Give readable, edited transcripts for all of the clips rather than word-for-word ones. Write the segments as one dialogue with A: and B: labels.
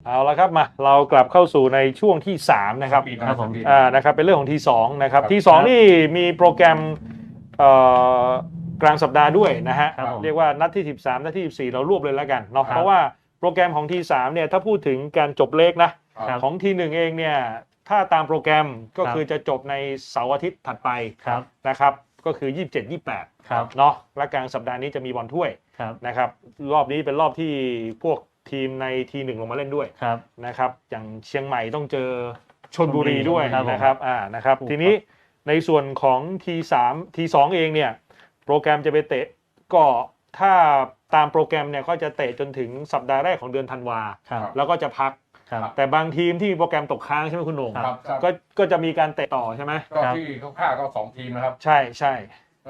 A: เอาละครับมาเรากลับเข้าสู่ในช่วงที่3นะครับนะครับเป็นเรื่องของที2นะครับที2นี่มีโปรแกรมกลางสัปดาห์ด้วยนะฮะเรียกว่านัดที่13นัดที่14เรารวบเลยแล้วกันเนาะเพราะว่าโปรแกรมของที3เนี่ยถ้าพูดถึงการจบเลขนะของที1เองเนี่ยถ้าตามโปรแกรมก็คือจะจบในเสาร์อาทิตย์ถัดไปนะครับก็คือ27-28เนาะและกลางสัปดาห์นี้จะมีบอลถ้วยนะครับรอบนี้เป็นรอบที่พวกทีมในที1ลงมาเล่นด้วยนะครับอย่างเชียงใหม่ต้องเจอชลบุรีด้วยนะครับนะครับทีนี้ในส่วนของที3ที2เองเนี่ยโปรแกรมจะไปเตะก็ถ้าตามโปรแกรมเนี่ยก็จะเตะจนถึงสัปดาห์แรกของเดือนธันวาแล้วก็จะพักแต่บางทีมที่มีโปรแกรมตกค้างใช่ไหมคุณโหน่งก็จะมีการเตะต่อใช่ไหม
B: ก็ที่คร่าวๆก็2ทีมนะครับ
A: ใช่ใช่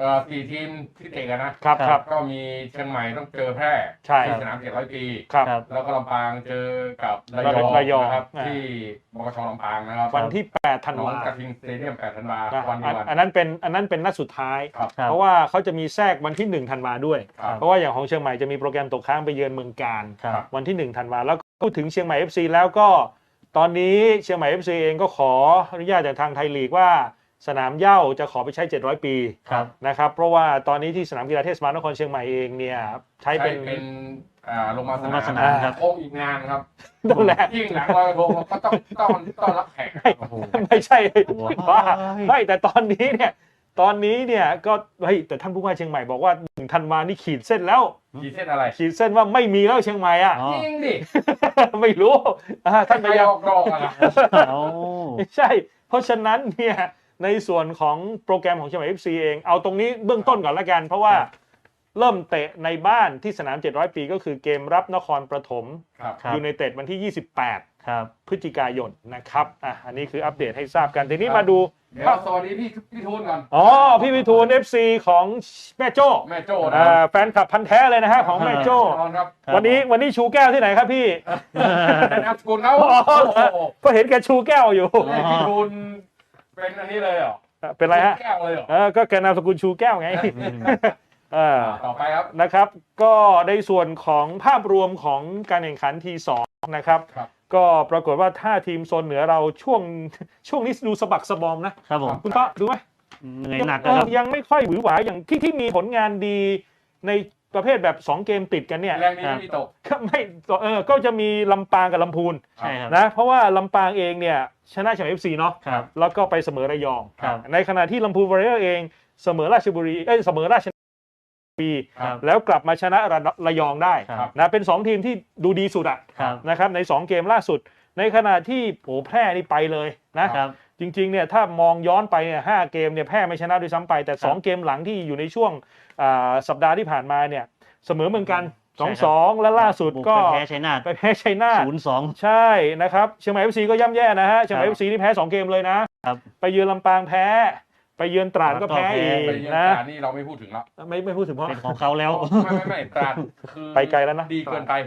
B: 4ทีมที่เตะกันนะครับก็มีเชียงใหม่ต้องเจอแพร่ที่สนาม700 ปีแล้วก็ลำปางเจอกับระยองนะครับที่มกช.ลำปางนะครับ
A: วันที่8ธันวาคม
B: กระทิงสเตเดียม8ธันวาคมวันนี้
A: อันนั้นเป็นนัดสุดท้ายเพราะว่าเขาจะมีแทรกวันที่1ธันวาด้วยเพราะว่าอย่างของเชียงใหม่จะมีโปรแกรมตกค้างไปเยือนเมืองการวันที่1ธันวาแล้วพูดถึงเชียงใหม่ FC แล้วก็ตอนนี้เชียงใหม่ FC เองก็ขออนุญาตจากทางไทยลีกว่าสนามเหย้าจะขอไปใช้700 ปีนะครับเพราะว่าตอนนี้ที่สนามกีฬาเทศบาลนครเชียงใหม่เองเนี่ยใช้เป็น
B: ลงมาสนามครับโอ้อีกงานครับ
A: นั่นแหละ
B: ยิ่งหลังลอยกระทงก็ต้องรับแขก
A: ไม่ใช่ว่าไม่แต่ตอนนี้เนี่ยก็เฮ้ยแต่ท่านผู้ว่าเชียงใหม่บอกว่า1ธันวานี่ขีดเส้นแล้ว
B: ขีดเส้นอะไร
A: ขีดเส้นว่าไม่มีแล้วเชียงใหม่อ่ะ
B: จริงดิ
A: ไม่รู้ท่าน
B: พยายามดองอะไร
A: ไม่ใช่เพราะฉะนั้นเนี่ยในส่วนของโปรแกรมของเชียงใหม่ FC เองเอาตรงนี้เบื้องต้นก่อนละกันเพราะว่าเริ่มเตะในบ้านที่สนาม700 ปีก็คือเกมรับนครปฐมยูไนเต็ดวันที่28พฤศจิกายนนะครับอันนี้คืออัปเดตให้ทราบกันทีนี้มาดู
B: สวัสดีพี่ทูนก่อน
A: พี่วิทูล FC ของแม่โจ้แฟนคลับพันธุ์แท้เลยนะฮะของแม่โจ้วันนี้ชูแก้วที่ไหนครับพี่
B: นามสกุลเขา
A: ก็เห็นแกชูแก้วอยู่
B: พี่ทูนเป็นอันนี้เลยเหรอ
A: เป็นไรฮะ
B: แก้วเลยเหรอ
A: ก็แกนามสกุลชูแก้วไง
B: ต่อไปครับ
A: นะครับก็ในส่วนของภาพรวมของการแข่งขันที2นะครับก็ปรากฏว่าถ้าทีมโซนเหนือเราช่วงนี้ดูสะบักสะบอมนะครับคุณต้อดูไหม
C: เหนื่อยหนัก
A: ยังไม่ค่อยหวือหวาอย่างที่มีผลงานดีในประเภทแบบ2เกมติดกันเนี่ย
B: แรงนี้ไม่ตก
A: ก็จะมีลำปางกับลำพูนนะเพราะว่าลำปางเองเนี่ยชนะเชียงใหม่ FC เนาะแล้วก็ไปเสมอระยองในขณะที่ลำพูนวอริเออร์เองเสมอราชบุรีเสมอราชปีแล้วกลับมาชนะระยองได้นะเป็น2ทีมที่ดูดีสุดนะครับใน2เกมล่าสุดในขณะที่แพร่นี่ไปเลยนะจริงๆเนี่ยถ้ามองย้อนไปเนี่ย5เกมเนี่ยแพร่ไม่ชนะด้วยซ้ำไปแต่2เกมหลังที่อยู่ในช่วงสัปดาห์ที่ผ่านมาเนี่ยเสมอเหมือนกัน 2-2 และล่าสุดก็
C: ไปแพ้ชัยนาท
A: 0-2 ใช่นะครับเชียงใหม่ FC ก็ย่ำแย่นะฮะเชียงใหม่ FC นี่แพ้2เกมเลยนะไปเยือนลำปางแพ้ไปเยือนตราดก็แพ้อีกนะ
B: นี่เราไม่พูดถึงแล้ว
A: ไม่พูดถึงเพราะ
C: เป็นของเขาแล้ว
B: ไม่ตราดคือ
A: ไปไกลแล้วนะ
B: ดีเกินไป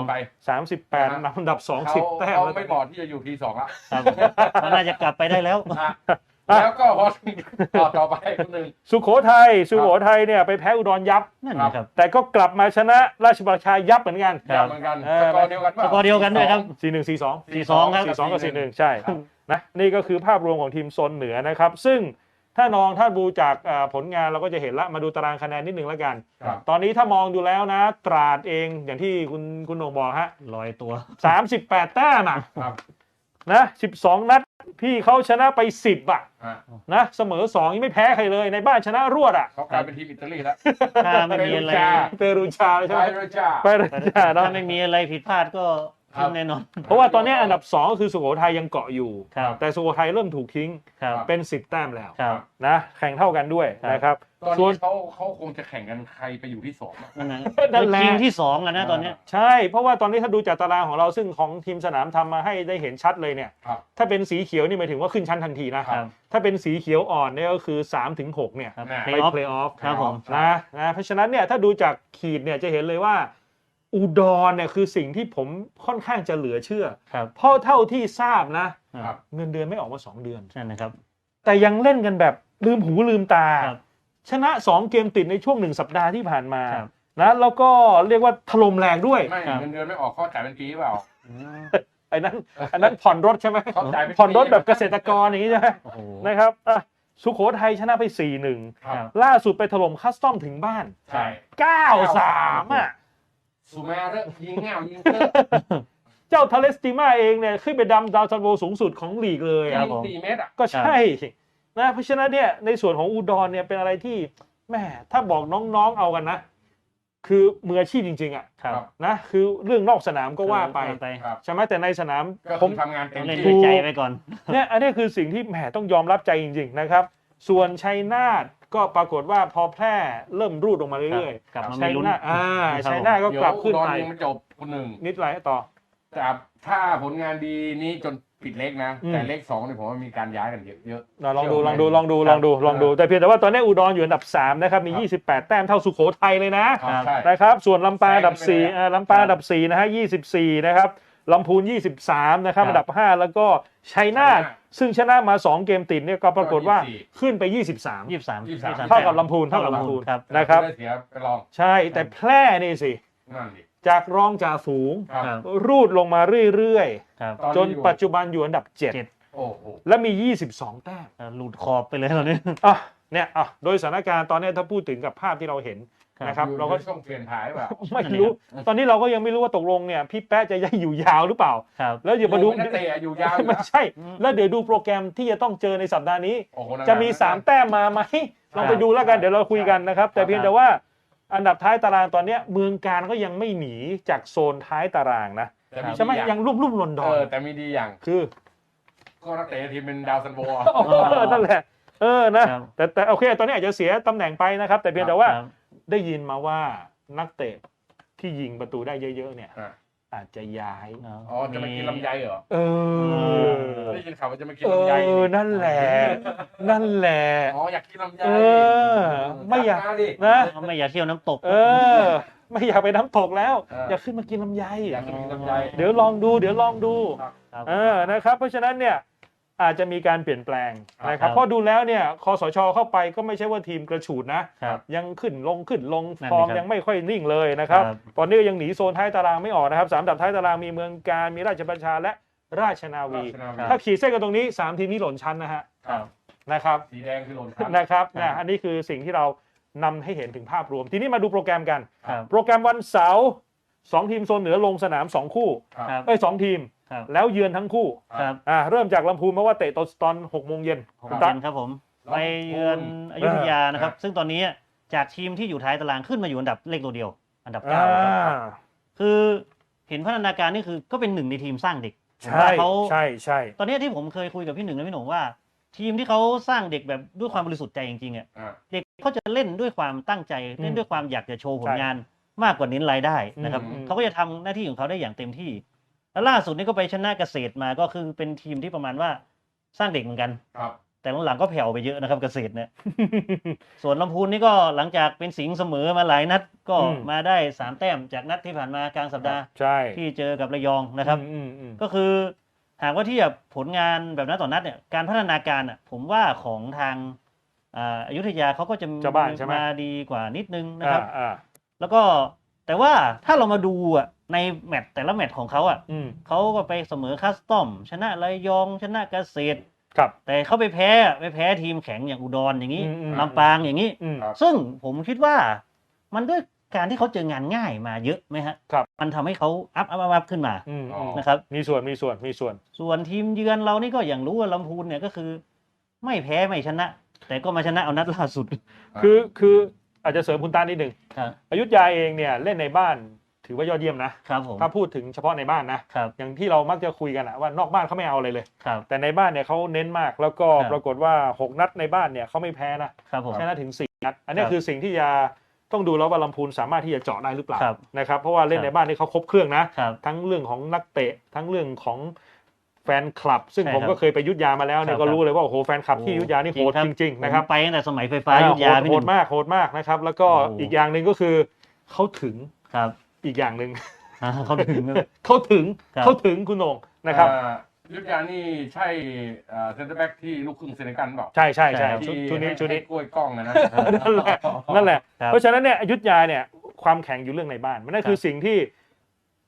A: 38อันดับ20แต้ม
B: ไม่เหมาะที่จะอยู่ที2แล้ว
C: เขาน่าจะกลับไปได้แล้ว
B: แล้วก็พอต่อไปคนนึง
A: สุโขทัยเนี่ยไปแพ้อุดรยับ
C: นั่นครับ
A: แต่ก็กลับมาชนะราชบัณฑิตยับเหมือนกัน
B: สกอร์เดียว
C: กันด้วยครับ
A: 4-1 4-2
C: ครับ
A: 4-2กับ 4-1 ใช่นะนี่ก็คือภาพรวมของทีมโซนเหนือนะครับซึ่งถ้าดูจากผลงานเราก็จะเห็นละมาดูตารางคะแนนนิดนึงแล้วกันตอนนี้ถ้ามองดูแล้วนะตราดเองอย่างที่คุณโหน่งบอกฮะ
C: ลอยตัว
A: 38แต้มนะ12นัดพี่เขาชนะไป10นะเสมอ2ยังไม่แพ้ใครเลยในบ้านชนะรวด
B: เขากลายเป็นทีมอิตาลีแล้ว
C: ไม่มีอะไร
A: เปรูชาใช่ไหม
C: เปรูชาไม่มีอะไรผิดพลาดก็แน่นอน
A: เพราะว่าตอนนี้อันดับ2ก็คือสุโขทัยยังเกาะอยู่แต่สุโขทัยเริ่มถูกทิ้งเป็น10แต้มแล้วนะแข่งเท่ากันด้วยนะครับ
B: ตอนนี้เขาคงจะแข่งกันใครไปอยู่ที่2
C: นั่นแหละทีมที่2อ่ะนะตอนนี้
A: ใช่เพราะว่าตอนนี้ถ้าดูจากตารางของเราซึ่งของทีมสนามทำมาให้ได้เห็นชัดเลยเนี่ยถ้าเป็นสีเขียวนี่หมายถึงว่าขึ้นชั้นทันทีนะถ้าเป็นสีเขียวอ่อนเนี่ยก็คือ 3-6 เนี่ยไปเพลย์ออฟนะเพราะฉะนั้นเนี่ยถ้าดูจากขีดเนี่ยจะเห็นเลยว่าอุดรเนี่ยคือสิ่งที่ผมค่อนข้างจะเหลือเชื่อเพราะเท่าที่ทราบนะเงินเดือนไม่ออกมา2เดือน
C: ใช่นะครับ
A: แต่ยังเล่นกันแบบลืมหูลืมตาชนะ2เกมติดในช่วง1สัปดาห์ที่ผ่านมานะแล้วก็เรียกว่าถล่มแรงด้วย
B: ไม่เงินเดือนไม่ออกข้อจ่ายเป็นปีเปล่า
A: อันนั้นผ่อนรถใช่ไหม
B: เข้าใจไม่
A: ผ่อนรถแบบเกษตรกรอย่างนี้ใช่ไหม
C: โอ้โห
A: นะครับสุโขทัยชนะไป 4-1
B: ครับ
A: ล่าสุดไปถล่มคัสตอมถึงบ้าน
B: ใช่
A: 9-3อ่ะ
B: ซูมาเรยิงเงายิงเตอร์
A: เจ้าทาเลสติมาเองเนี่ยขึ้นไปดำดาวซันโวสูงสุดของลีกเลย
C: ครั
A: อะ
C: บผม
B: 4 เมตรอ่ะ
A: ก็ใช่นะเพราะฉะนั้นเนี่ยในส่วนของอุดรเนี่ยเป็นอะไรที่แม่ถ้าบอกน้องๆเอากันนะ คือมืออาชีพจริงๆอ่ะ
C: ครับ
A: นะคือเรื่องนอกสนามก็ว่าไป
B: ครับ
A: ใช่ไหมแต่ในสนาม
B: ก็
A: ผ
B: คื
A: ม
B: อทำงานเต็
C: ต้อ
B: ม
C: งเล่น
B: ที่
C: ด้วยใจไปก่อน
A: เนี่ยอันนี้คือสิ่งที่แหมต้องยอมรับใจจริงๆนะครับ ส่วนชัยนาทก็ปรากฏว่าพอแพร่เริ่มรูดลงมาเรื่อย
C: กลับมา
A: ๆชัย
C: มีลุ้น
A: นาท
C: ครับ
A: ชัยนาทก็
B: เดี๋ยว
A: กลับขึ้น
B: อุดร
A: ไป
B: ยังไม่จบคนหนึ่ง
A: นิดไรต่อ
B: แต่ถ้าผลงานดีนี้จนปิดเล็กนะ
A: อืม
B: แต่เลข2เนี่ยผมว่ามีการย้ายกันเยอะ
A: ลองดูแต่เพียงแต่ว่าตอนนี้อุดรอยู่อันดับ3นะครับมี 28 แต้มเท่าสุโขทัยเลยนะ
B: ๆครับใช่
A: นะครับส่วนลำปางอันดับ
B: แซงไปเลย
A: 4ลำปางอันดับ4นะฮะ24นะครับลำพูน23นะครับ
C: ครับ
A: อันดับ5แล้วก็ชัยนาทซึ่งชนะมา2เกมติดเนี่ยก็ปรากฏว่าขึ้นไป 23
C: 23
A: เท่ากับลำพูน
C: ครับ
A: นะครับ
B: ได้เสียไปลอง
A: ใช่แต่แพร่นี่สิ
B: นั่นดิ
A: จากรองจ่าฝูง
B: ครับ
C: ครับ
A: รูดลงมาเรื่อย
C: ครับ
B: ตอน
A: ๆ จ
B: นี้
A: น
B: อยู่
A: ปัจจุบันอยู่อันดับ
B: โอ้โห
A: 7 และมี 22 แต้ม
C: หลุดขอบไปเลยตอนนี้
A: เนี่ยโดยสถานการณ์ตอนนี้ถ้าพูดถึงกับภาพที่เราเห็นนะครับ
B: อยู่
A: เราก็
B: ในช่วงเปลี่ยนถ่ายแบบ
A: ไม่รู้ ตอนนี้เราก็ยังไม่รู้ว่าตกลงเนี่ยพี่แป๊ะจะอยู่ยาวหรือเปล่า
C: ครับ
A: แล้วเดี๋ยวมาดู
B: นักเตะอยู่ยาวอยู่
A: ไม่
B: นะ
A: ใช่ แล้วเดี๋ยวดูโปรแกรมที่จะต้องเจอในสัปดาห์นี้
B: โอ้โหนั่น
A: จะมี
B: น
A: 3 แต้มมาไหมลองไปดูแล้วกันเดี๋ยวเราคุยกันนะครับ แต่เพียงแต่ว่าอันดับท้ายตารางตอนเนี้ยเมืองการก็ยังไม่หนีจากโซนท้ายตารางนะ
B: แต่มี
A: ใช่ไหม
B: ดีอ
A: ยังรุ่มๆดอน
B: แต่มีดีอย่าง
A: ๆคือ
B: ก็นักเตะทีมเป็นดาวซันโว
A: นั่นแหละนะครับ แต่โอเคตอนนี้อาจจะเสียตำแหน่งไปนะครับ แต่เพียงแต่ว่า
C: ครับ
A: ได้ยินมาว่านักเตะที่ยิงประตูได้เยอะๆเนี่ย
B: อ่ะ
A: อาจจะย้าย
B: อ๋อจะมากินลำไยเหรอ
A: เออ
B: ได้ยินข่าวว่าจะมากินลำไยนี่
A: นั่นแหละ
B: อ๋ออยากกินลำไย
A: ไม่อยาก
B: จัดดิ
A: นะ
C: ไม่อยากเที่ยวน้ำตก
A: ไม่อยากไปน้ำตกแล้ว
B: เออ
A: อยากขึ้นมากินลำไย
B: อยากกินลำไย
A: เดี๋ยวลองดู
C: ครับ
A: นะครับ เพราะฉะนั้นเนี่ยอาจจะมีการเปลี่ยนแปลงนะค
C: ครั
A: รับบ เพราะดูแล้วเนี่ยคสชเข้าไปก็ไม่ใช่ว่าทีมกระฉูดนะ
C: ครับ
A: ยังขึ้นลง
C: นั่น
A: ฟอร์ม
C: สิครับ
A: ยังไม่ค่อยนิ่งเลยนะครับ
C: ครับ
A: ตอนนี้ก็ยังหนีโซนท้ายตารางไม่ออกนะครับ3อันดับท้ายตารางมีเมืองการมีราชบัญชาและราชนาวี ถ้าขีดเส้นกันตรงนี้3ทีมนี้หล่นชั้นนะฮะ
B: ครับ
A: นะครับ
B: สีแดงคือหล่นชั้น
A: นะครับ
C: ครับ
A: อันนี้คือสิ่งที่เรานำให้เห็นถึงภาพรวม ทีนี้มาดูโปรแกรมกัน
C: ครับ
A: โปรแกรมวันเสาร์2ทีมโซนเหนือลงสนาม2คู่
C: ครับ
A: 2ทีม
C: ครับ
A: แล้วเยือนทั้งคู่
C: ครับ
A: เริ่มจากลำพูนเพราะว่าเตะตอน6 โมงเย็น
C: ผมเย็นครับผม ไปเยือนอยุธยานะครับ ซึ่งตอนนี้จากทีมที่อยู่ท้ายตารางขึ้นมาอยู่อันดับเลขตัวเดียว อันดับ 9นะครับคือเห็นพัฒนาการนี่คือก็เป็นหนึ่งในทีมสร้างเด็ก
A: ใช่
C: เขา
A: ใช่
C: ตอนนี้ที่ผมเคยคุยกับพี่หนึ่งและพี่หนุ่มว่า ทีมที่เขาสร้างเด็กแบบด้วยความบริสุทธิ์ใจจริงๆอ่ะ
B: อ่า
C: เด็กเขาจะเล่นด้วยความตั้งใจเล่นด้วยความอยากจะโชว์ผลงานมากกว่าเน้นรายได้นะครับ เขาก็จะทำหน้าที่ของเขาได้อย่างเต็มที่ แล้วล่าสุดนี่ก็ไปชนะเกษตรมาก็คือเป็นทีมที่ประมาณว่าสร้างเด็กเหมือนกัน
B: ครับ
C: แต่หลังๆก็แผ่วไปเยอะนะครับเกษตรเนี่ย ส่วนลำพูนนี่ก็หลังจากเป็นสิงห์เสมอมาหลายนัดก็
A: อืม
C: มาได้3 แต้มจากนัดที่ผ่านมากลางสัปดาห์
A: ใช่
C: ที่เจอกับระยองนะครับ ก็คือหากว่าเทียบผลงานแบบนัดต่อนัดเนี่ยการพัฒนาการอ่ะผมว่าของทางอยุธยาเขาก็จะ
A: เจ้าบ้านใช่ไหม
C: มาดีกว่านิดนึงนะครับ
A: อ่า
C: แล้วก็แต่ว่าถ้าเรามาดูอ่ะในแมตช์แต่ละแมตช์ของเขาอ่ะ
A: อืม
C: เขาก็ไปเสมอคัสตอม ชนะระยองชนะเกษตร
A: ครับ
C: แต่เขาไปแพ้ทีมแข็งอย่างอุดรอย่างนี้
A: อืม
C: ลำปางอย่างนี้
A: อืม
B: ครับ
C: ซึ่งผมคิดว่ามันด้วยการที่เขาเจองานง่ายมาเยอะไหมฮะ
A: ครับ
C: มันทำให้เขาอัพขึ้นมา
A: อืม
C: นะครับ
A: มีส่วน
C: ส่วนทีมเยือนเรานี่ก็อย่างรู้ว่าลำพูนเนี่ยก็คือ ไม่แพ้ไม่ชนะ แต่ก็มาชนะเอานัดล่าสุด
A: คืออาจจะเสริมคุณตานิดหนึ่ง
C: ครับ
A: อยุธยาเองเนี่ยเล่นในบ้านถือว่ายอดเยี่ยมนะครับ
C: ผม
A: ถ้าพูดถึงเฉพาะในบ้านนะครับ อย่างที่เรามักจะคุยกันอะว่านอกบ้านเขาไม่เอาอะไรเลย
C: ครับ
A: แต่ในบ้านเนี่ยเขาเน้นมากแล้วก็
C: ครับ
A: ปรากฏว่า6นัดในบ้านเนี่ยเขาไม่แพ้นะครับ
C: ผม
A: ชนะถึง4นัดอันนี้
C: ครับ
A: คือสิ่งที่จะต้องดูแล้วว่าลำพูนสามารถที่จะเจาะได้หรือเปล่า
C: ครับ
A: นะครับเพราะว่าเล่น
C: ครับ
A: ในบ้านนี่เขาครบเครื่องนะ
C: ครับ
A: ทั้งเรื่องของนักเตะทั้งเรื่องของแฟนคลับ ซึ่ง
C: ใช่
A: ผม
C: ครับ
A: ก็เคยไปอยุธยามาแล้วเนี่ย
C: ครับ
A: ก็รู้เลยว่าโอ้โหแฟนคลับที่อยุธยานี่โหดจริงๆนะครับ
C: ผมไปตั้งแต่สมัยไฟฟ้าอยุธยาพี่
A: โห
C: ห
A: ด
C: นึ่ง
A: มากนะครับแล้วก็
C: โอ้โห
A: อีกอย่างหนึ่งก็คือเขาถึง
C: ครับ
A: อีกอย่างหนึ่ง
C: เขาถึง
A: เขาถึง
C: ครับ
A: เขาถึงคุณโหน่งนะครับ
B: ยุทธยานี่ใช่เซนเตอร์แบ็กที่ลูกครึ่งเซเนกันเปล่า
A: ใช่
C: ใช่
A: ชุดนี้
B: ให้กล้วยกล้องนะ
A: นั่นแหละ
C: ครับ
A: เพราะฉะนั้นเนี่ยอยุธยาเนี่ยความแข็งอยู่เรื่องในบ้านมันนั่นคือสิ่งที่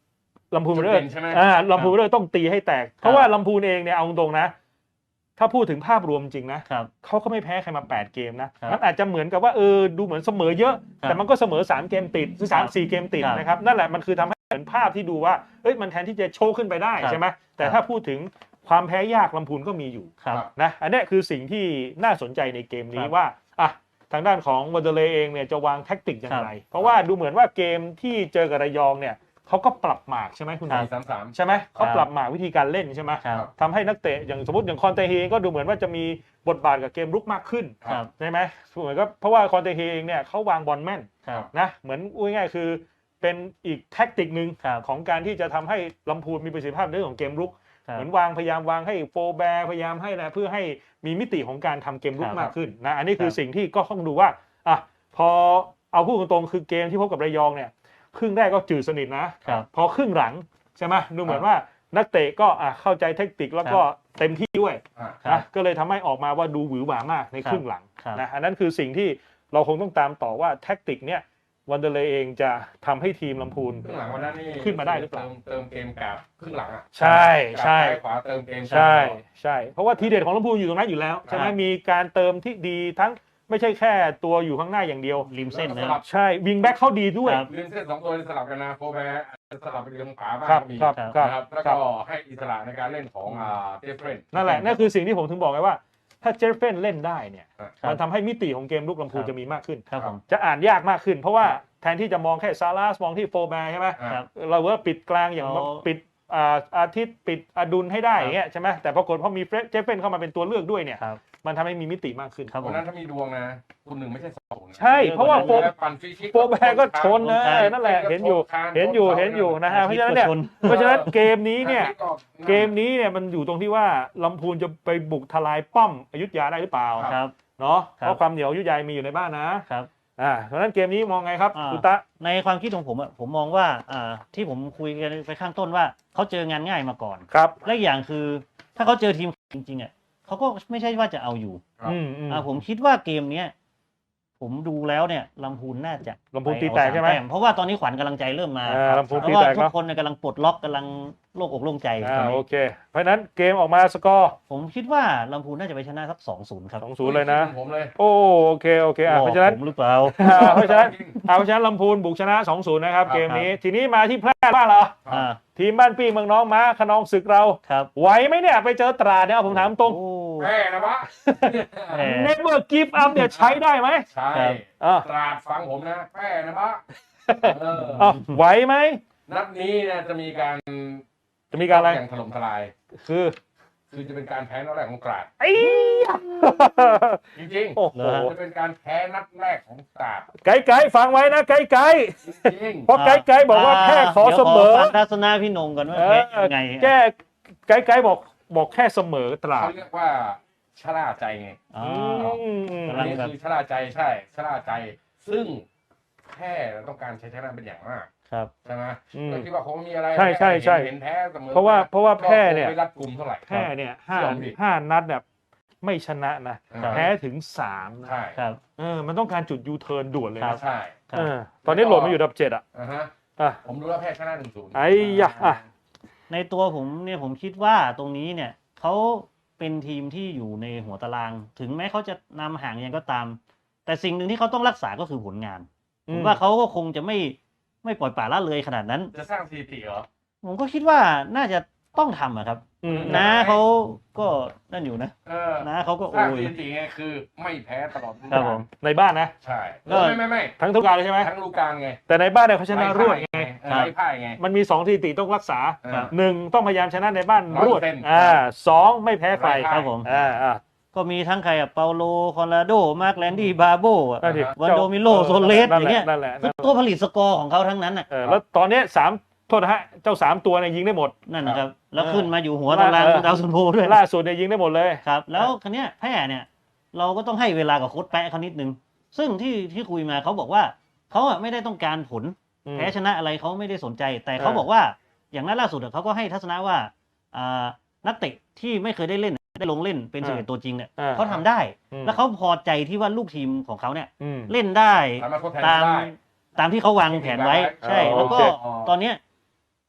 A: ลำพูนเวอร์เรอร์
B: ใช่ไหม
A: ลำพูนเวอร์เรอร์ต้องตีให้แตกเพราะว่าลำพูนเองเนี่ยเอาตรงๆนะถ้าพูดถึงภาพรวมจริงนะครับ เขาก็ไม่แพ้ใครมา8เกมนะครับ มันอาจจะเหมือนกับว่าดูเหมือนเสมอเยอะ
C: ครับ
A: แต่มันก็เสมอ3เกมติดหรือ3-4เกมติด
C: ครับ
A: นะครับนั่นแหละมันคือทำให้เห็นภาพที่ดูว่ามันแทนที่จะโชว์ขึ้นไปได้
C: ครับ
A: ใช่ไหมแต่
C: ครับ
A: ถ้าพูดถึงความแพ้ยากลำพูนก็มีอยู่
C: ครับ
A: นะอันนี้คือสิ่งที่น่าสนใจในเกมนี้
C: ครับ
A: ว่าทางด้านของวันเดอร์เลย์เองเนี่ยจะวางแท็กติกอย่างไร
C: ครับ
A: เพราะว่าดูเหมือนว่าเกมที่เจอกับระยองเนี่ยเขาก็ปรับหมากใช่ไหมคุณหมอ
B: 4-3-3
A: ใช่ไหมเขาปรับหมากวิธีการเล่นใช่ไหม
C: ครับ
A: ทำให้นักเตะอย่างสมมติอย่างคอนเตเฮก็ดูเหมือนว่าจะมีบทบาทกับเกมรุกมากขึ้น
C: ครับ
A: ใช่ไหมเหมือนก็เพราะว่าคอนเตเฮเองเนี่ยเขาวางบอลแม่น
C: ครับ
A: นะเหมือนพูดง่ายๆคือเป็นอีกแท็กติกหนึ่ง
C: ครับ
A: ของการที่จะทำให้ลำพูนมีประสิทธิภาพในเรื่องของเกมรุก
C: ครับ
A: เหมือนพยายามวางให้โฟร์แบร์พยายามให้นะเพื่อให้มีมิติของการทำเกมรุก
C: ครับ
A: มากขึ้นนะอันนี้คือ
C: ครับ
A: สิ่งที่ก็ต้องดูว่าพอเอาพูดตรงๆคือเกมที่พบกับระยองเนี่ยครึ่งแรกก็จืดสนิทนะครับ พอครึ่งหลังใช่ไหมดูเหมือนว่านักเตะก็เข้าใจเทคนิคแล้วก็เต็มที่ด้วย
C: ครับ
A: นะก็เลยทำให้ออกมาว่าดูหวือหวามากในครึ่งหลัง
C: ครับ
A: นะอันนั้นคือสิ่งที่เราคงต้องตามต่อว่าแท็กติกเนี่ยวันเดอร์เลย์เองจะทำให้ทีมลำพูน
B: ครึ่งหลังวันนั้นนี่
A: ขึ้นมาได้หรือเปล่า
B: เติมเกมกับครึ่งหลังอ่ะ
A: ใช่ใช่
B: ขวาเติมเกม
A: ใช่ใช่เพราะว่าทีเด็ดของลำพูนอยู่ตรงนั้นอยู่แล้วใช่ไหม
C: ครับ
A: มีการเติมที่ดีทั้งไม่ใช่แค่ตัวอยู่ข้างหน้าอย่างเดียว
C: ริมเส้น
B: ส
C: นะ
B: ลับ
A: ใช่วิงแบ็คเขาดีด้วย
C: ครับ
B: เล่นเส้น2ตัวสลับกันนะโฟร์แบร์สลับไปเรื่องขวาบ้าง
A: ครับ
B: ก็มี
A: ครับ
C: ครับ
A: ครับ
B: นะครับแล้ว
A: ครั
B: ก็
A: บ
B: ให้อิสระในการเล่นของเจฟเฟรน
A: นั่นแหละนั่นคือสิ่งที่ผมถึงบอกไงว่า ถ้าเจฟเฟนเล่นได้เนี่ย
C: ครับ
A: มันทำให้มิติของเกมลุกลำพูน
C: ครับ
A: จะมีมากขึ้น
C: ครับผม
A: จะอ่านยากมากขึ้น เพราะว่าแทนที่จะมองแค่ซาร่ามองที่โฟร์แบร์ใช่ไหม
C: ครับ
A: เราว่าปิดกลางอย่าง
C: อ๋อ
A: ปิดอาทิตย์ปิดอดุลให้ได้อย่างเงี้ยใช่ไหมแต่ปรากฏพอมีเจฟเฟนเข้ามาเป็นตัวเลือกด้วยเนี่ย
C: ครับ
A: มันทำให้มีมิติมากขึ้น
C: ครับผ
B: วัน
C: ม
B: นั้นถ้ามีดวงนะคุณ1ไม่ใช่2นะ
A: ใช่เพราะว่าโฟ
B: ปั่นฟรีคิก
A: โฟร์แบร์ก็ชนนะ
C: ใช่
A: นั่นแหละเห็นอยู่นะฮะเพราะฉะนั้นเนี่ย เพราะฉะนั้นเกมนี้เนี่ยมันอยู่ตรงที่ว่าลำพูนจะไปบุกทลายป้อมอยุธยาได้หรือเปล่า
C: ครับ
A: เนาะ
C: ครับ
A: เพราะความเหนียวอยุธยามีอยู่ในบ้านนะครับ เพราะฉะนั้นเกมนี้มองไงครับ
C: อ่า
A: คุณตะ
C: ในความคิดของผมอะผมมองว่าที่ผมคุยกันไปข้างต้นว่าเขาเจองานง่ายมาก่อน
A: ครับ
C: และอีกอย่างคือถ้าเขาเจอทีมจริงๆอ่ะเขาก็ไม่ใช่ว่าจะเอาอยู่
B: ครับ
C: ผมคิดว่าเกมเนี้ยผมดูแล้วเนี่ยลำพูนน่าจะ
A: ลำพูนตีแตกใช่ไหม
C: ปเอา3เพราะว่าตอนนี้ขวัญกำลังใจเริ่มมา
A: ลำพูน
C: เพ
A: ตี
C: ราะว่า
A: แตก
C: ทุก
A: เนาะ
C: คนเนี่ยกำลังปลดล็อกกำลังโล่งอกโล่งใจ
A: โอเค เพราะฉะนั้นเกมออกมาสกอร์
C: ผมคิดว่าลำพูนน่าจะไปชนะสัก 2-0 ครับ
A: 2-0เลยนะ
B: ผมเลย
A: โอเคเพราะฉะนั้น
C: ผมหรือเปล่า
A: เพราะฉะนั้นลำพูนบุกชนะ 2-0 นะครับ
B: ครับ
A: เกมนี้ทีนี้มาที่แพร่บ้างเหรอ
C: อ่า
A: ทีมบ้านปี้เมืองน้องม้าขนองศึกเรา
C: ครับ
A: ไหวไหมเนี่ยไปเจอตราดเนี่ยผมถามตรง
C: โอ้
B: แพ้นะวะ
C: แหม่
A: Never give up เนี่ยใช้ได้ไหม
B: ใช่
C: ครับ
A: อ่ะ
B: ตราดฟังผมนะแพ้นะวะเออ
A: ไหวไหม
B: นัดนี้เนี่ยจะมีการ
A: จะมีการอะไร
B: อย่างถล่มทลาย
A: คือ
B: คือจะเป็นการแพ้นัดแรกของตราด
A: ไอ้
B: จริง
A: โอ้โห
B: ๆจะเป็นการแพ้นัดแรกของตราด
A: ไกด์ฟังไว้นะไกด์
B: จริง
A: เพราะไกด์บอกว่าแค่ขอเสมอ
C: ดี๋ยวขอฟังทัศนะพี่นงก่อนว่าแพ้ยังไง
A: แก้ไกด์บอกแค่เสมอต
B: ๆ
A: ราด
B: เขาเรียกว่าชะล่าใจไง
C: อ๋อ
B: อัน
C: กำลัง
B: นี้
C: แบบ
B: คือชะล่าใจใช่ชะล่าใจ ซึ่งแพ้ต้องการใช้ชนะเป็นอย่างมาก
C: ครับ
B: ใช่ไหม
A: อืม
B: ก็คิดว่าคงมีอะไร
A: ใช่
B: เห็นแพ้เสมอ
A: เพราะว่าแพ้เนี่ย
B: ก็คงไม่รัดกลุ่มเท่าไหร่
A: แพ้เนี่ยห้า
B: เชื่อผมดิ
A: ห้านัดแบบไม่ชนะนะ
C: ครับ
A: แพ้ถึง3นะ
B: ใช่
C: ครับ
A: มันต้องการจุดยูเทิร์นด่วนเลย
C: ครั
A: นะ
C: บ
B: ใช่
C: ครับ
A: ตอนนี้โหลดมาอยู่อันดับ7อ่ะ
B: อ่าฮะ
A: อ่ะ
B: ผมรู้ว่าแพ้ชนะ1-0
A: ไอ้ยะอ่ะ
C: ในตัวผมเนี่ยผมคิดว่าตรงนี้เนี่ยเขาเป็นทีมที่อยู่ในหัวตาราง ถึงแม้เขาจะนำห่างยังก็ตาม แต่สิ่งหนึ่งที่เขาต้องรักษาก็คือผลงานผมว่าเขาก็คงจะไม่ปล่อยปละละเลยขนาดนั้น
B: จะสร้างสถิติเหรอ
C: ผมก็คิดว่าน่าจะต้องทำอะครับ
A: อืม
C: นะเขาก็นั่นอยู่นะ
B: เออ
C: นะเขาก็
B: ส
C: โอ้
B: ร้างส
C: ย
B: ถิติไงคือไม่แพ้ตลอดฤดู
C: ครับ
B: กา
C: ผ
B: ล
C: ม
A: ในบ้านนะ
B: ใช่
C: ก็
B: ไม่
A: ทั้งทุกการเลยใช่ไหม
B: ทั้งฤดูกาลไง
A: แต่ในบ้านเนี่ยเขาชนะรวดไง
C: ครับ
B: ไล่พ่ายไง
A: มันมี2สถิติต้องรักษา
C: ครับ
A: 1ต้องพยายามชนะในบ้านรวด
B: 100%
A: 2ไม่แพ้ใคร
C: ครับผม ก็มีทั้งใครอะเปาโลคอนราโดมาร์คแลนดี้บาโบอะ
A: นั่นดิ
C: วันโดมิโลโซเลสอย่างเงี้ย
A: นั่นแหละ
C: คือตัวผลิตสกอร์ของเขาทั้งนั้นอ่ะ
A: แล้วตอนนี้3โทษนะฮะเจ้า3ตัวเนี่ยยิงได้หมด
C: นั่นนะครับ แล้วขึ้นมาอยู่หัวตารางดาวซันโวด้วย
A: ล่าสุดเนี่ยยิงได้หมดเลย
C: ครับ แล้วคันเนี้ยแพ้เนี่ย เราก็ต้องให้เวลากับโค้ชแปะเขานิดนึง ซึ่งที่คุยมาเขาบอกว่าเขาอะไม่ได้ต้องการผล แพ้ชนะอะไรเขาไม่ได้สนใจ แต่เขาบอกว่าอย่างนั้นล่าสุดอะเขาก็ให้ทัศนะว่านักเตะที่ไม่เคยได้เล่นได้ลงเล่นเป็น11ตัวจริงเนี่ยเขาทำได้ แล้วเขาพอใจที่ว่าลูกทีมของเขาเนี่ยเล่นได้
B: สามารถทดแทน
C: ตาม
B: ได้
C: ตามที่เขาวางแผนไว้ ใช่ แล้วก็
A: โอเค
C: ตอนเนี้ย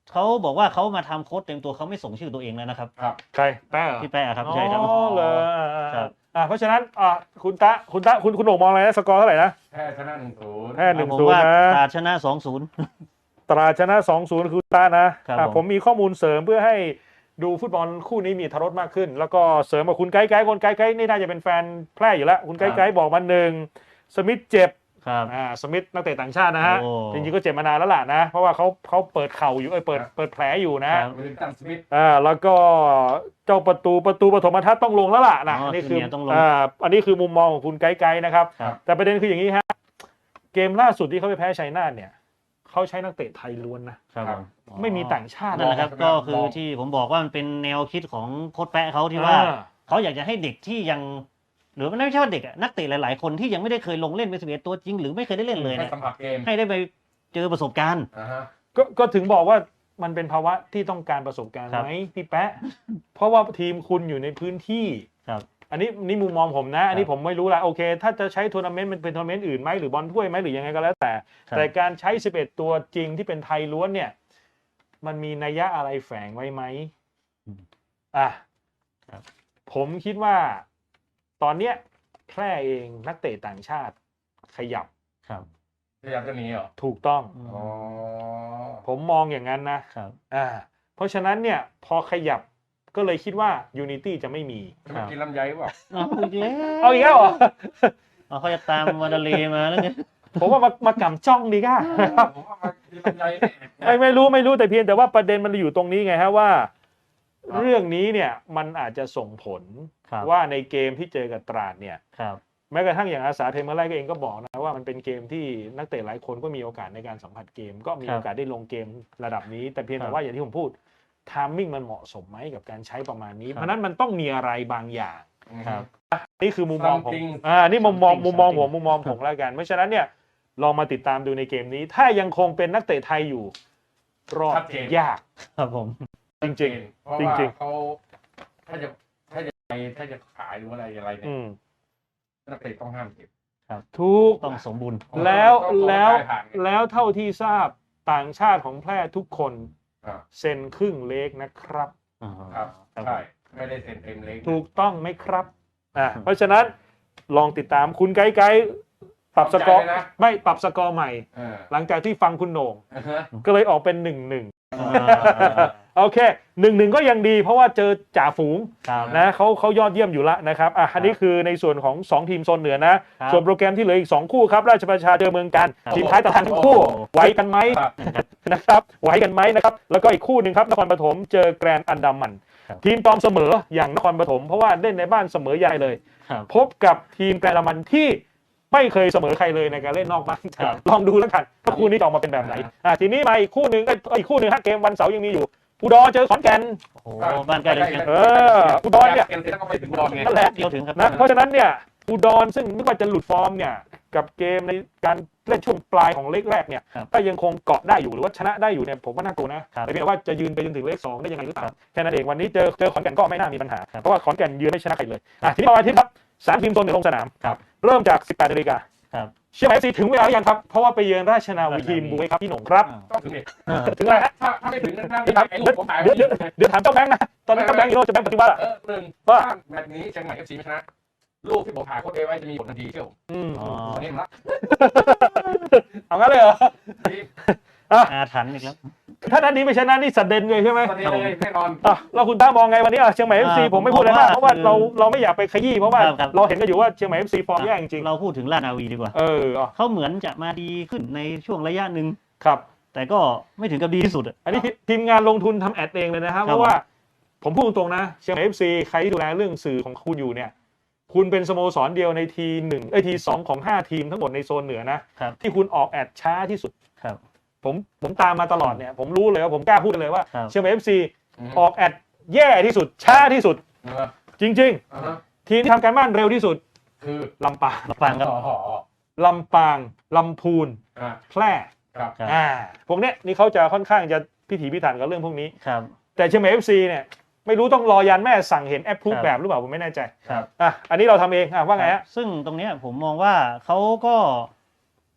C: เขาบอกว่าเขามาทำโค้ชเต็มตัวเขาไม่ส่งชื่อตัวเองแล้วนะครับ
B: ครับ
A: ใครแป้เหรอ
C: พี่แป้ครับใช่ครับ
A: อ๋อเลย
C: ครับ
A: เพราะฉะนั้นคุณตะคุณโหน่งมองอะไรนะสกอร์เท่าไหร่นะ
B: แพ้ชนะ1-0
A: แพ้
C: ผม
A: 1-0
C: ว่า
A: นะ
C: ตราดชนะ 2-0
A: ตราดชนะ 2-0 คือตานะครับผมมีข้อมูลเสริมเพื่อให้ดูฟุตบอลคู่นี้มีอรรถรสมากขึ้น แล้วก็เสริมกับคุณไกด์คนไกด์นี่น่าจะเป็นแฟนแพร่อยู่แล้วคุณไกด์บอกมา1สมิธเจ็บ
C: ครับ
A: สมิธนักเตะต่างชาตินะฮะ
C: โอ้
A: จริงๆก็เจ็บมานานแล้วล่ะนะเพราะว่าเขาเปิดเข่าอยู่เปิดแผลอยู่นะ
C: ครับ
B: วิลตันสมิธ
A: แล้วก็เจ้าประตูปฐมทัศน์ต้องลงแล้วล่ะนะ
C: อ๋อ
A: นี่
C: คือเนี่ยต้องลง
A: อันนี้คือมุมมองของคุณไกด์นะครับ
C: ครับ
A: แต่ประเด็นคืออย่างนี้ฮะเกมล่าสุดที่เขาไปแพ้ชัยนาทเนี่ยเขาใช้นักเตะไทยล้วนนะครับ
C: ผม
A: ไม่มีต่างชาติ
C: นั่นแหละครับ
B: มอง
C: ก็คือที่ผมบอกว่ามันเป็นแนวคิดของโค้ชแปะเขาที่ว่า เขาอยากจะให้เด็กที่ยังหรือไม่ใช่ว่าเด็กอะนักเตะหลายๆคนที่ยังไม่ได้เคยลงเล่นเป็น11ตัวจริงหรือไม่เคยได้เล่นเลย
B: ให้
C: เนี่ย
B: สัมผัสเกม
C: ให้ได้ไปเจอประสบการณ์
B: อ่าฮะ
A: ก็ถึงบอกว่ามันเป็นภาวะที่ต้องการประสบการณ์
C: ครับ
A: ไหมพี่แปะ เพราะว่าทีมคุณอยู่ในพื้นที่
C: ครับ
A: อันนี้มุมมองผมนะ อันนี้ผมไม่รู้ละโอเค ถ้าจะใช้ทัวร์นาเมนต์มันเป็นทัวร์นาเมนต์อื่นไหมหรือบอลถ้วยไหมหรือยังไงก็แล้วแต่
C: ครับ
A: แต่การใช้11ตัวจริงที่เป็นไทยล้วนเนี่ยมันมีนัยยะอะไรแฝงไว้ไหม
C: ครับ
A: ผมคิดว่าตอนเนี้ยแพร่เองนักเตะต่างชาติขยับ
C: ครับ
B: พยายามจะหนีเหรอ
A: ถูกต้อง
B: อ๋อ
A: ผมมองอย่างนั้นนะครับ เพราะฉะนั้นเนี่ยพอขยับก็เลยคิดว่า Unity จะไม่มี
B: จะไม่กินลำไยเปล่า
C: เอาอีกแล้ว
A: เอาอีกแล้วเหรอ
C: เขาจะตามวาดาเลมาแล้วเนี่ย
A: ผมว่ามากำจ้องดีก้า
B: ผมว่ามากินลำไยนี่
A: ไม่รู้แต่เพียงแต่ว่าประเด็นมันอยู่ตรงนี้ไงฮะว่า เรื่องนี้เนี่ยมันอาจจะส่งผล
C: ครับ
A: ว่าในเกมที่เจอกับตราดเนี่ย
C: ครับ
A: แม้กระทั่งอย่างอาสาเทมเมอร์ไลก็เองก็บอกนะว่ามันเป็นเกมที่นักเตะหลายคนก็มีโอกาสในการสัมผัสเกม ก็มีโอกาสได้ลงเกมระดับนี้ แต่เพียงแต่ว่าอย่างที่ผมพูดทามมิ่งมันเหมาะสมไหมกับการใช้ประมาณนี้ เพราะฉะนั้นมันต้องมีอะไรบางอย่าง
C: ครับ
A: นี่คือมุมมองผม
B: Something
A: นี่มุมมอง
C: something
A: มุมมองผมแล้วกัน เพราะฉะนั้นเนี่ยลองมาติดตามดูในเกมนี้ ถ้ายังคงเป็นนักเตะไทยอยู่รอด
B: ชัดเจน
A: ยาก
C: ครับผม
A: จริง
B: เพราะ
A: จริ
B: ว่าง
A: ๆ
B: เขาถ้าจะขายหรืออะไรเนี่ย นักเตะต้องห้ามเก็บ
A: ทุก
C: ต้องสมบูรณ์
A: แล้ว
B: ต้อง
A: แล้ว
B: ขายผ่านไง
A: แล้วเท่าที่ทราบต่างชาติของแพร่ทุกคน
B: อ่า
A: เซ็นครึ่งเล็กนะครับ
B: ครับ
C: ครับ
B: ใช่ไม่ได้เซ็นเต็มเล็ก
A: ถูกต้องไหมครับเพราะฉะนั้นลองติดตามคุณไกด์ปรับสกอร์
B: เข้าใจเลยนะ
A: ไม่ปรับสกอร์ใหม่
B: เออ
A: หลังจากที่ฟังคุณโหน่ง
B: อ่าฮะ
A: ก็เลยออกเป็น 1-1 โอเค 1-1 ก็ยังดีเพราะว่าเจอจ่าฝูง
C: ครับ
A: นะเขายอดเยี่ยมอยู่ละนะครับอันนี้คือในส่วนของ 2 ทีมโซนเหนือนะ
C: ครับ
A: ส่วนโปรแกรมที่เหลืออีก 2 คู่ครับ ราชประชาเจอเมืองกัน
C: ครับ
A: ทีมท้ายตารางทั้งคู่
C: โอ้โห
A: ไหวกันไหม
B: ครับ
A: นะครับไหวกันไหมนะครับ แล้วก็อีกคู่หนึ่งครับนครปฐมเจอแกรนด์อันดามัน
C: ครับ
A: ทีมตอมเสมออย่างนครปฐมเพราะว่าเล่นในบ้านเสมอใหญ่เลย
C: ครับ
A: พบกับทีมแกรนด์อันดามันที่ไม่เคยเสมอใครเลยในการเล่นนอกบ้าน
C: ครับ
A: ลองดูแล้วกันว่าคู่นี้จะออกมาเป็นแบบไหนทีนี้มาอีกคู่หนึ่งอีกคู่หนึ่งฮะเกมวันเสาร์ยังมีอยู่อุดรเจอขอนแก่น
C: โอ้โหบ้านใกล้เลยกัน
A: อุดรเนี่ย
B: เกมเสร็จแล้วก็ไปถึงอุดรไง
A: นั่นแหละ
C: เดียวถึงครับ
A: นะเพราะฉะนั้นเนี่ยอุดรซึ่งนึกว่าจะหลุดฟอร์มเนี่ยกับเกมในการเล่นช่วงปลายของเลขแรกเนี่ย
C: ครับ
A: ถ้ายังคงเกาะได้อยู่หรือว่าชนะได้อยู่เนี่ยผมว่าน่ากลัวนะครับ แต่เพียงแต่ว่าจะยืนไปจนถึงเลข2ได้ยังไงหรือเปล่า
C: ครับ
A: แค่นั้นเองวันนี้เจอขอนแก่นก็ไม่น่ามีปัญหา
C: ครับ
A: เพราะว่าขอนแก่นยืนไม่ชนะใครเลยทีนี้วันอาทิตย์ครับ3 ทีมโซนเหนือลงสนาม
C: ครับ
A: เริ่มจาก 18 นาฬิกา
C: ครับ
A: เชียงใหม่ FC ถึงเวลาหรือยังครับเพราะว่าไปเยือนราชนาวีทีมบุ้ยครับพี่หนุ่มครับ
B: ต้องถึงเนี่ย
A: ถึงแล้วฮะ
B: ถ้าไม่ถึงนั่น
A: เดี๋ยวถาม
B: ไอ้ลูกผมหายไป
A: เดี๋ยวถามเจ้าแบงค์นะตอนนั้นเจ้าแบงค์อีโร่เจ้าแบงค์ปฏิวัติอะ
B: หนึ่ง
A: ว่า
B: ถ้าแมตช์นี้เชียงใหม่ FC ไม่ชนะลูกที่ผมถ่ายโค้ดไว้จะมีผลทันทีเชียว
C: อ๋อ
B: วันนี้ละ
A: เอางั้นเลยเหรอ
C: อาถรรพ์อีกแล้ว
A: ถ้านัดนี้ไม่ชนะนี่สัดเด่นเลยใช่ไหม
B: วันนี้เลยแน่นอน
A: แล้วคุณต้ามองไงวันนี้เชียงใหม่ FC ผมไม่พูดอะไรมากเพราะว่าเราไม่อยากไปขยี้เพราะว่า
C: ครับ
A: เราเห็นกันอยู่ว่าเชียงใหม่ FC ฟอร์มแย่จริง
C: เราพูดถึงราชนาวีดีกว่า เขาเหมือนจะมาดีขึ้นในช่วงระยะหนึ่ง
A: ครับ
C: แต่ก็ไม่ถึงกับดีที่สุดอะ
A: อันนี้ทีมงานลงทุนทำแอดเองเลยนะครับเพราะว่าผมพูดตรงๆนะเชียงใหม่ FC ใครที่ดูแลเรื่องสื่อของคุณอยู่เนี่ยคุณเป็นสโมสรเดียวในทีสองของ5 ทีมทั้งหมดในโซนเหนือนะครับ ที่คุณออกแอดช้าที่สุด
C: ครับ
A: ผมตามมาตลอดเนี่ยผมรู้เลยว่าผมกล้าพูดเลยว่า
C: ครับ
A: เชียงใหม่ FC ออกแอดแย่ที่สุดช้าที่สุด จริงๆทีมที่ทำการบ้านเร็วที่สุด
B: คือ
A: ลำปาง
C: มาฟังครับ
A: ลำปางลำพูนแพร่
B: ครับ
C: ครับ
A: พวกเนี้ยนี่เขาจะค่อนข้างจะพิถีพิถันกับเรื่องพวกนี้
C: ครับ
A: แต่เชียงใหม่ FC เนี่ยไม่รู้ต้องรอยันแม่สั่งเห็นแอปพรูฟ
C: ครับ
A: แบบหรือเปล่าผมไม่แน่ใจ
C: ครับ
A: อันนี้เราทำเองว่าไงฮะ
C: ซึ่งตรงเนี้ยผมมองว่าเขาก็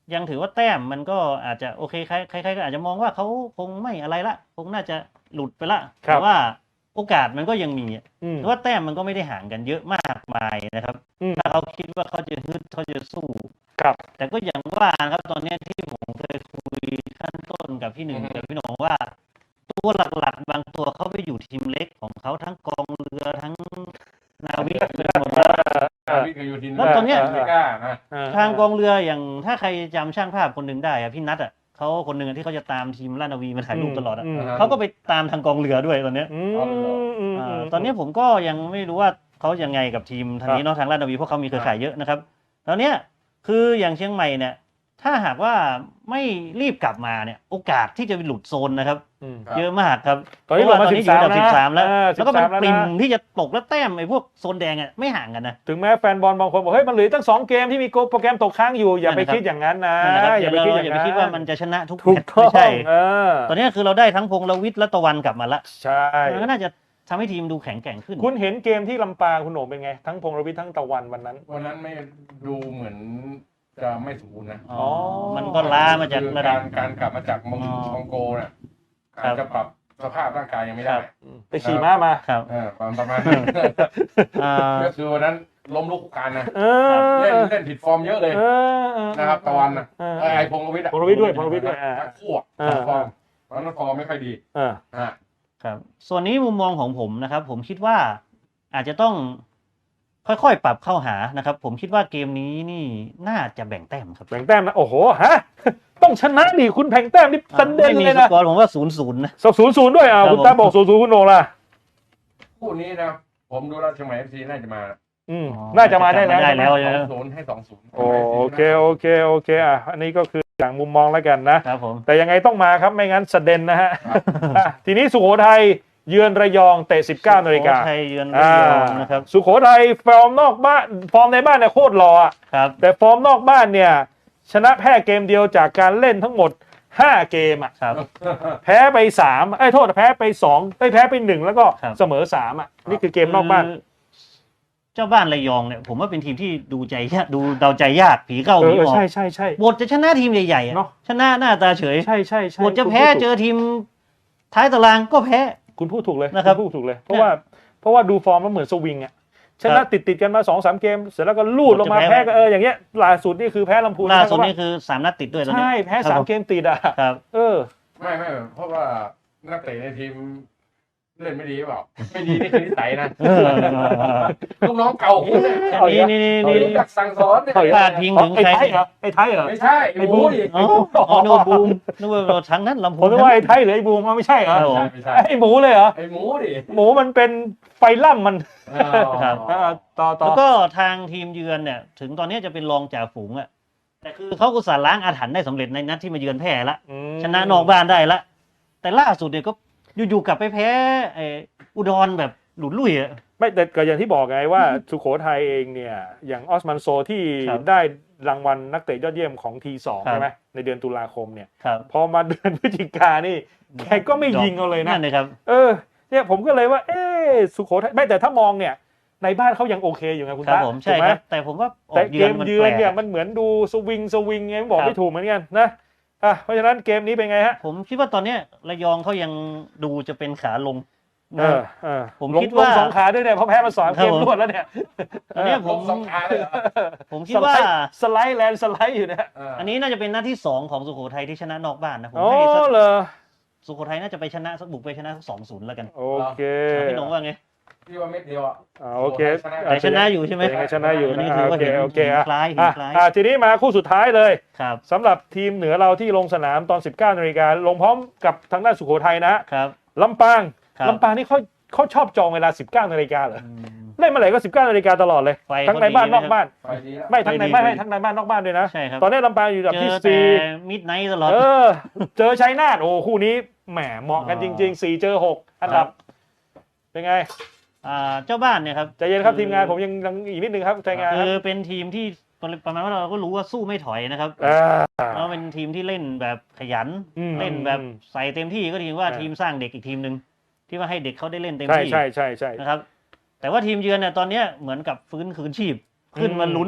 C: ยังถือว่าแต้มมันก็อาจจะโอเคใครๆก็อาจจะมองว่าเขาคงไม่อะไรละคงน่าจะหลุดไปละแต่ว่าโอกาสมันก็ยังมีเพราะว่าแต้มมันก็ไม่ได้ห่างกันเยอะมากมายนะครับถ้าเขาคิดว่าเขาจะฮึดเขาจะสู้แต่ก็อย่างว่านะครับตอนนี้ที่ผมเคยคุยขั้นต้นกับพี่หนึ่งกับพี่หนงว่าตัวหลักๆบางตัวเขาไปอยู่ทีมเล็กของเขาทั้งกองเรือทั้งนาวิกเป็นหมดแล้วตอนนี้ทางกองเรืออย่างถ้าใครจำช่างภาพคนหนึ่งได้อะพี่นัทอ่ะเขาคนหนึ่งที่เขาจะตามทีมราชนาวีมาถ่ายรูปตลอดอ่ะเขาก็ไปตามทางกองเรือด้วยตอนนี้ตอนนี้ผมก็ยังไม่รู้ว่าเขายังไงกับทีมทางนี้เนาะทางราชนาวีเพราะเขามีเครือข่ายเยอะนะครับตอนนี้คืออย่างเชียงใหม่เนี่ยถ้าหากว่าไม่รีบกลับมาเนี่ยโอกาสที่จะหลุดโซนนะครับเยอะมากครับ
A: ตอนนี้ลงมา13
C: แล้วก็มันปริ่มที่จะตกแล้วแต้มไอ้พวกโซนแดงอ่ะไม่ห่างกันนะ
A: ถึงแม้แฟนบอลบางคนบอกเฮ้ยมันเหลือตั้ง2เกมที่มีโปรแกรมตกค้างอยู่อย่าไปคิดอย่างนั้นนะ
C: อย่าไปคิดว่ามันจะชนะทุกแมตช์ไม่ใช่ตอนนี้คือเราได้ทั้งพงษ์และวิทย์และตะวันกลับมาละ
A: ใช่
C: ก็น่าจะทำให้ทีมดูแข็งแกร่งขึ้น
A: คุณเห็นเกมที่ลำปางคุณโหน่งเป็นไงทั้งพงษ์และวิทย์ทั้งตะวันวันนั้น
B: ไม่ดูเหมือนจะไม่สมบูรณ์นะ
C: มันก็ล้ามาจากระดับ
B: การกลับมาจากมองโกเนี่ยอาจจะปรับสภาพร่างกายยังไม่ได้
A: ไปขี่ม้ามา
C: ครับ
B: ประมาณก็คือวันนั้นล้มลุกคานนะเล่นผิดฟอร์มเยอะเลยนะครับตะวันนะไอ้พงษ์วิทย์
A: ด้วย
B: คู่ฟอร์มเพราะนั้นฟอร์มไม่ค่อยดี
C: ครับส่วนนี้มุมมองของผมนะครับผมคิดว่าอาจจะต้องค่อยๆปรับเข้าหานะครับผมคิดว่าเกมนี้นี่น่าจะแบ่งแต้มครับ
A: แบ่งแต้มนะโอ้โหฮะต้องชนะดิคุณแบ่งแต้มนี่ประเด็นเลยนะ
C: ไม่มีสกอร์ผมว่า0-0นะ
A: 0-0ด้วยคุณตาบอก0-0คุณโหน่งล่ะ
B: คู่นี้นะผมดูแล้วเชียงใหม่ FC น่าจะมา
A: น่าจะมาได้แล้ว
B: 2-0ให้ 2-0
A: โอเคอันนี้ก็คืออย่างมุมมองแล้วกันนะครับ
C: ผม
A: แต่ยังไงต้องมาครับไม่งั้นสะเด็นนะฮะทีนี้สุโขทัยเยือนระยองเตะ 19 น.
C: สุโขทัยเยือนระยองนะครับ
A: สุโขทัยฟอร์มนอกบ้านฟอร์มในบ้านเนี่ยโคตรหล่อ
C: ครับ
A: แต่ฟอร์มนอกบ้านเนี่ยชนะแพ้เกมเดียวจากการเล่นทั้งหมด5เกม
C: ครับ
A: แพ้ไป3โทษแพ้ไป2แพ้ไป1แล้วก็เสมอ3นี่คือเกมนอกบ้าน
C: เจ้าบ้านระยองเนี่ยผมว่าเป็นทีมที่ดูใจยากดูเดาใจยากผีเข้าผีออก
A: ใช่
C: บทจะชนะทีมใหญ่ๆชนะหน้าตาเฉย
A: ใช่
C: บทจะแพ้เจอทีมท้ายตารางก็แพ้
A: คุณพูดถูกเลย
C: นะครับ
A: พูดถูกเลยเพราะว่าดูฟอร์มแล้วเหมือนสวิงชนะติดกันมา 2-3 เกมเสร็จแล้วก็ลูดลงมาแพ้ก็อย่างเงี้ยล่าสุดนี่คือแพ้ลำพูน
C: ล่าสุดนี่คือ3นัดติดด้วย
A: ใช่แพ้3เกมติด
C: ครับ
B: ไม่เพราะว่านักเตะในทีมเล่นไม่ดีเปล่าไม่ดีนี่คือนิสัยนะลูกน้องเก่าคุณเนี่ยนี่จากสั่งสอนเนี่ย
C: พลาดพิงถึงใคร
A: ไอ้ไทยเหรอ
B: ไม่ใช่ไอ้บูมดิ
C: โนบูมนึกว่าทั้งนั้นลำพูน
A: ผมนึกว่าไอ้ไทยหรือไอ้บูมไม่ใช่เหรอไอ้หมูเลยเหรอ
B: ไอ้หมูดิ
A: หมูมันเป็นไฟล่ำมันต่อ
C: แล้วก็ทางทีมเยือนเนี่ยถึงตอนนี้จะเป็นรองจ่าฝูงแต่คือเขาก็สารล้างอาถรรพ์ได้สำเร็จในนัดที่มาเยือนแพ้ละชนะนอกบ้านได้ละแต่ล่าสุดเนี่ยก็อยู่ๆกลับไปแพ้อุดรแบบหลุดลุ่ย
A: ไม่แต่ก็อย่างที่บอกไงว่าสุโขทัยเองเนี่ยอย่างออสมันโซที่ได้รางวัลนักเตะยอดเยี่ยมของ T2 ใช่ไหมในเดือนตุลาคมเนี่ยพอมาเดือนพฤศจิกายนนี่แกก็ไม่ยิงเอาเลยนะเนี่ยผมก็เลยว่าสุโขทัยไม่แต่ถ้ามองเนี่ยในบ้านเขายังโอเคอยู่ไงคุณตา
C: ใช่ครับแต่ผมว่า
A: แต่เกมเยือนเนี่ยมันเหมือนดูสวิงไงบอกไม่ถูกเหมือนกันนะเพราะฉะนั้นเกมนี้เป็นไงฮะ
C: ผมคิดว่าตอนนี้ระยองเขายังดูจะเป็นขาลง
A: ผมคิดว่า2 ขาด้วยเนี่ยเพราะแพ้มา2 เกมรวดแล้วเนี่ย
C: อันนี้ผม
B: 2 ขาเลย
C: ผมคิดว่า
A: สไลด์แลนด์สไลด์อยู่เนี่ย
C: อันนี้น่าจะเป็นนัดที่2ของสุโขทัยที่ชนะนอกบ้านนะผม
A: ให้
C: สุโขทัยน่าจะไปชนะบุกไปชนะ 2-0 แล้วกัน
A: โอเค
C: พี่น้องว่าไง
B: พี่ว่าเม็ดเดียว
A: โอเค
C: แต่ชนะอยู่ใช่ไหม
A: ชนะอยู่
C: นะ
A: โอเค
C: คล้าย
A: ทีนี้มาคู่สุดท้ายเลย
C: ครับ
A: สำหรับทีมเหนือเราที่ลงสนามตอน 19 น.ลงพร้อมกับทางด้านสุโขทัยนะครับลำปางนี่เขาชอบจองเวลา 19 น.เหรอเล่นเมื่อไหร่ก็ 19 น.ตลอดเลยทั้งในบ้านนอกบ้านไม่ทั้งในบ้านทั้งในบ้านนอกบ้านด้วยนะตอนนี้ลำปางอยู่อันดับที่
C: 4มิดไนท์ตลอด
A: เจอชัยนาทโอ้คู่นี้แหมเหมาะกันจริงๆ4เจอ6อันดับเป็นไง
C: เจ้าบ้านเนี่ยครับ
A: ใจเย็นครับทีมงานผมยังอีกนิดนึงครับใจงาน
C: คือเป็นทีมที่ประมาณว่าเราก็รู้ว่าสู้ไม่ถอยนะครับเราเป็นทีมที่เล่นแบบขยันเล่นแบบใส่เต็มที่ก็ทีมว่าทีมสร้างเด็กอีกทีมนึงที่ว่าให้เด็กเขาได้เล่นเต็มที่
A: ใช่
C: นะครับแต่ว่าทีมเยือนเนี่ยตอนนี้เหมือนกับฟื้นคืนชีพขึ้นมาลุ้น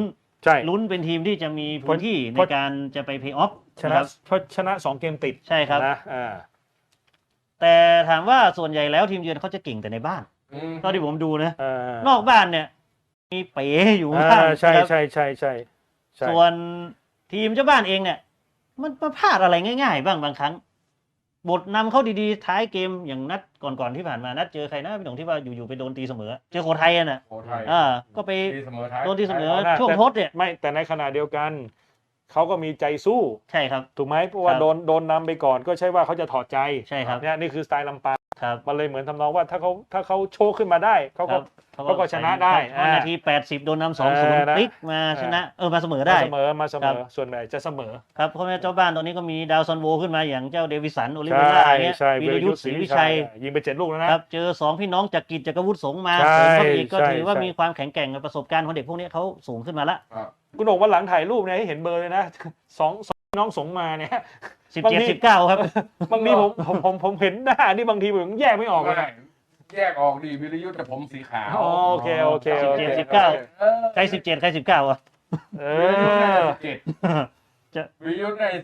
A: ใช่
C: ลุ้นเป็นทีมที่จะมีพื้นที่ในการจะไปเพย์ออฟ
A: ชนะ2 เกมติด
C: ใช่ครับ
A: นะ
C: แต่ถามว่าส่วนใหญ่แล้วทีมเยือนเขาจะเก่งแต่ในบ้านเท่าที่ผมดูนะนอกบ้านเนี่ยมีเป๋อยู่บ้าง
A: ใช่
C: ส่วนทีมเจ้าบ้านเองเนี่ยมันพลาดอะไรง่ายๆบ้างบางครั้งบทนำเข้าดีๆท้ายเกมอย่างนัดก่อนที่ผ่านมานัดเจอใครนะพี่หนุ่มที่ว่าอยู่ๆไปโดนตีเสมอเจอโคไทยน่ะก็ไปโดนตีเสมอช่วงทดเนี่ย
A: ไม่แต่ในขณะเดียวกันเขาก็มีใจสู้
C: ใช่ครับ
A: ถูกไหมเพราะว่าโดนนำไปก่อนก็ใช่ว่าเขาจะถอดใจ
C: ใช่ครับ
A: นี่คือสไตล์ลำปางมันเลยเหมือนทำนองว่าถ้าเขาโชว์ขึ้นมาได้เขาก็ชนะได้
C: นาที80โดนนำ 2-0 พลิกมาชนะมาเสมอได้
A: มาเสมอส่วนใหญ่จะเสมอ
C: ครับเพราะเจ้าบ้านตอนนี้ก็มีดาวซันโวขึ้นมาอย่างเจ้าเดวิสันโอลิเวร่าเนี่ยวีรยุทธศรีวิชัย
A: ยิงไป7 ลูกแล้วนะครับ
C: เจอ2พี่น้องจักริดจักรวุฒิสงมาเสริมเข้าอีกก็ถือว่ามีความแข็งแกร่งประสบการณ์ของเด็กพวกนี้เขาสูงขึ้นมาละ
A: คุณโอ่งวันหลังถ่ายรูปเนี่ยให้เห็นเบอร์เลยนะ2น้องสงมาเนี่ย
C: 17-19ครับ
A: บางทีผมเห็นหน้านี่บางทีผมแยกไม่ออกเลย
B: แยกออกดีวิรยุทธ์แต่ผมสีขาว
A: โอเค
C: 17-19ใคร17ใคร19อ่ะ
B: วิรยุทธ์ได้17วิรยุทธ์ได้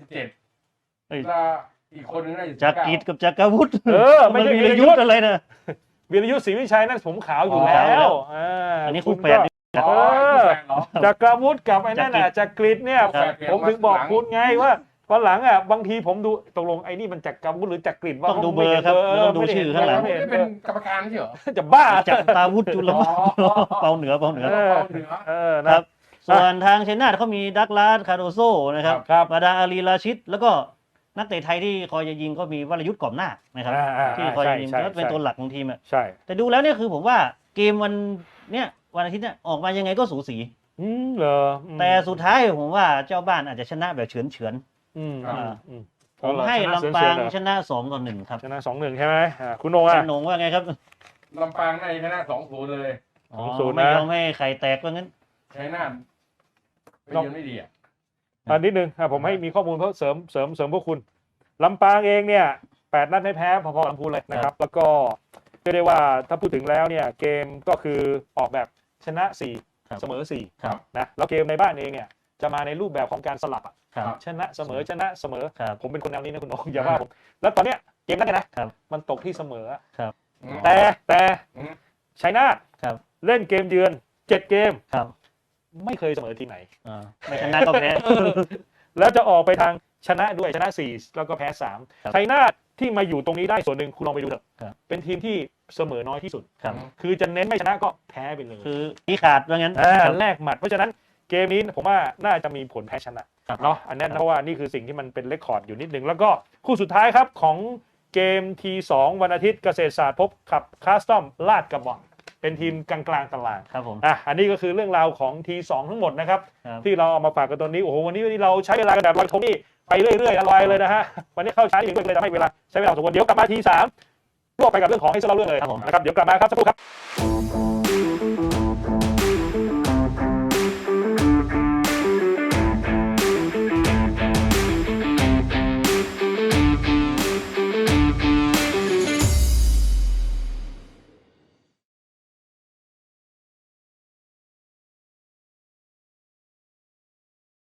B: 17แล้วอีกคนนึงได้19
C: จักริดกับจักรวุฒิ
A: ไม่ใช่
C: วิรยุทธ์อะไรนะ
A: วิรยุทธ์ศรีวิชัยนั่นผมขาวอยู่แล้ว
C: อันนี้คู่แฝด
A: จักรวุฒิกับไอ้นั่นน่ะจักริดเนี่ยผมถึงบอกคุณไงว่าวันหลังบางทีผมดูตกลงไอ้นี่มันจักรวุฒิหรือจักริดว่า
C: ต้องดูเบอร์ครับต้องดูชื่อข้างหลัง
B: เป็นกรรมการใช่เหรอ
A: จะบ้า
C: จักรวุฒิจุลเปาเหนือครับส่วนทางเชนนาทเขามีดักลาสคาโดโซนะครับบาดาอาลีราชิดแล้วก็นักเตะไทยที่คอยจะยิงก็มีวรยุทธ์กอบหน้านะครับที่คอยจะยิงก็เป็นตัวหลักของทีม
A: ใช่
C: แต่ดูแล้วเนี่ยคือผมว่าเกมวันอาทิตย์เนี่ยออกมายังไงก็สูสี
A: เหรอ
C: แต่สุดท้ายผมว่าเจ้าบ้านอาจจะชนะแบบเฉือนผมให้ลำปางชนะ2-1ครับ
A: ชนะ2-1ใช่ไหมคุณโหน่ง
C: คุณโหน่งว่าไงครับ
B: ลำปางในชนะ2-0เลย
A: 2-0
C: ไม่ยอมให้ไข่แตกว่างั้น
B: ใช่น่าไม่ดี
A: นิดนึงผมให้มีข้อมูลเพิ่มเสริมพวกคุณลำปางเองเนี่ย8 นัดไม่แพ้พอๆลำพูนเลยนะครับแล้วก็เรียกได้ว่าถ้าพูดถึงแล้วเนี่ยเกมก็คือออกแบบชนะ4เสมอ4นะแล้วเกมในบ้านเองเนี่ยจะมาในรูปแบบของการสลับชนะเสมอผมเป็นคนแนวนี้นะคุณโหน่งอย่าว่าผมแล้วตอนเนี้ยเกมนั้นนะมันตกที่เสมอแต่ชัยนาทเล่นเกมเยือน7 เกมไม่เคยเสมอทีไหน
C: ไม่ชนะก็แพ้
A: แล้วจะออกไปทางชนะด้วยชนะ4แล้วก็แพ้3ชัยนาทที่มาอยู่ตรงนี้ได้ส่วนหนึ่งคุณลองไปดูเถอะเป็นทีมที่เสมอน้อยที่สุดคือจะเน้นไม่ชนะก็แพ้ไปเลย
C: คือที่ขาดว่างั้น
A: แลกหมัดเพราะฉะนั้นเกมนี้ผมว่าน่าจะมีผลแพ้ชนะเนาะอันนั้นเพราะว่านี่คือสิ่งที่มันเป็นเรคคอร์ดอยู่นิดนึงแล้วก็คู่สุดท้ายครับของเกม T2 วันอาทิตย์เกษตรศาสตร์พบกับคาสตอมลาดกระบังเป็นทีมกลางตาราง
C: ครับผม
A: อันนี้ก็คือเรื่องราวของ T2 ทั้งหมดนะครับที่เราเอามาฝากกันตอนนี้โอ้โหวันนี้เราใช้เวลากันแบบลอยทงนี่ไปเรื่อยๆอร่อยเลยนะฮะวันนี้เข้าช้าอีกเลยทำให้เวลาใช้เวลาสมควรเดี๋ยวกลับมา T3 รวบไปกับเรื่องของให้เล่าเรื่องเลยนะครับเดี๋ยวกลับมาครับสักครู่ครับ